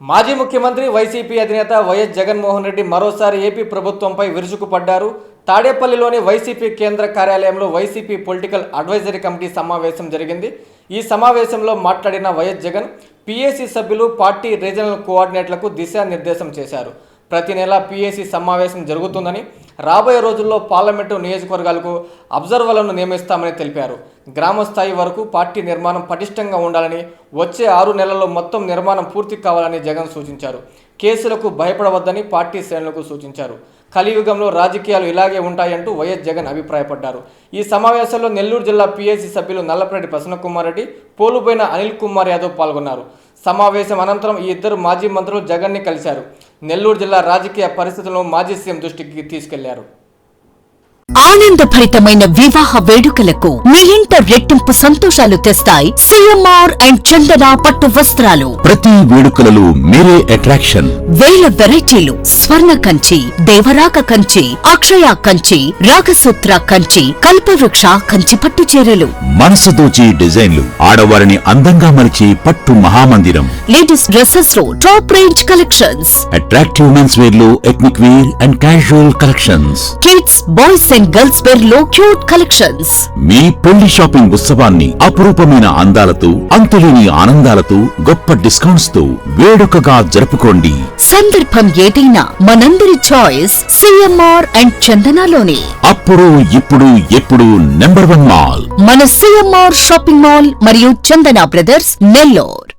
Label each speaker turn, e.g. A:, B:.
A: మాజీ ముఖ్యమంత్రి వైసీపీ అధినేత వైఎస్ జగన్మోహన్ రెడ్డి మరోసారి ఏపీ ప్రభుత్వంపై విరుచుకుపడ్డారు. తాడేపల్లిలోని వైసీపీ కేంద్ర కార్యాలయంలో వైసీపీ పొలిటికల్ అడ్వైజరీ కమిటీ సమావేశం జరిగింది. ఈ సమావేశంలో మాట్లాడిన వైఎస్ జగన్ పీఏసీ సభ్యులు, పార్టీ రీజనల్ కోఆర్డినేటర్లకు దిశానిర్దేశం చేశారు. ప్రతి నెల పీఏసీ సమావేశం జరుగుతుందని, రాబోయే రోజుల్లో పార్లమెంటు నియోజకవర్గాలకు అబ్జర్వర్లను నియమిస్తామని తెలిపారు. గ్రామ స్థాయి వరకు పార్టీ నిర్మాణం పటిష్టంగా ఉండాలని, వచ్చే 6 నెలల్లో మొత్తం నిర్మాణం పూర్తి కావాలని జగన్ సూచించారు. కేసులకు భయపడవద్దని పార్టీ శ్రేణులకు సూచించారు. కలియుగంలో రాజకీయాలు ఇలాగే ఉంటాయంటూ వైఎస్ జగన్ అభిప్రాయపడ్డారు. ఈ సమావేశంలో నెల్లూరు జిల్లా పీఏసీ సభ్యులు నల్లపరెడ్డి ప్రసన్నకుమార్ రెడ్డి, పోలుపోయిన అనిల్ కుమార్ యాదవ్ పాల్గొన్నారు. సమావేశం అనంతరం ఈ ఇద్దరు మాజీ మంత్రులు జగన్ని కలిశారు. నెల్లూరు జిల్లా రాజకీయ పరిస్థితులను మాజీ సీఎం దృష్టికి తీసుకెళ్లారు.
B: ఆనందభరితమైన వివాహ వేడుకలకు మీ ఇంట రెట్టింపు సంతోషాలు తెస్తాయి సిఎంఆర్ అండ్ చందన పట్టు వస్త్రాలు.
C: ప్రతి వేడుకలలో మీరే అట్రాక్షన్.
B: వేల వెరైటీలు, స్వర్ణ కంచి, దేవరాక కంచి, అక్షయ కంచి, రాగసూత్ర కంచి, కల్పవృక్ష కంచి పట్టు చీరలు.
C: మనసు దోచి డిజైన్లు, ఆడవారిని అందంగా మలిచి పట్టు మహామందిరం.
B: లేడీస్ డ్రెస్సెస్ లో top range collections.
C: Attractive men's wear లో ethnic wear and casual collections.
B: Kids, boys and girls wear లో క్యూట్ కలెక్షన్స్.
C: మీ పెళ్లి షాపింగ్ ఉత్సవాన్ని అపురూపమైన అందాలతో, అంతులేని ఆనందాలతో, గొప్ప డిస్కౌంట్స్ తో వేడుకగా జరుపుకోండి.
B: సందర్భం ఏదైనా మనందరి చాయిస్ సిఎంఆర్ అండ్ చందనలోనే.
C: అప్పుడు ఇప్పుడు ఎప్పుడు నంబర్ 1 మాల్
B: మన సిఎంఆర్ షాపింగ్ మాల్ మరియు చందన బ్రదర్స్ నెల్లూరు.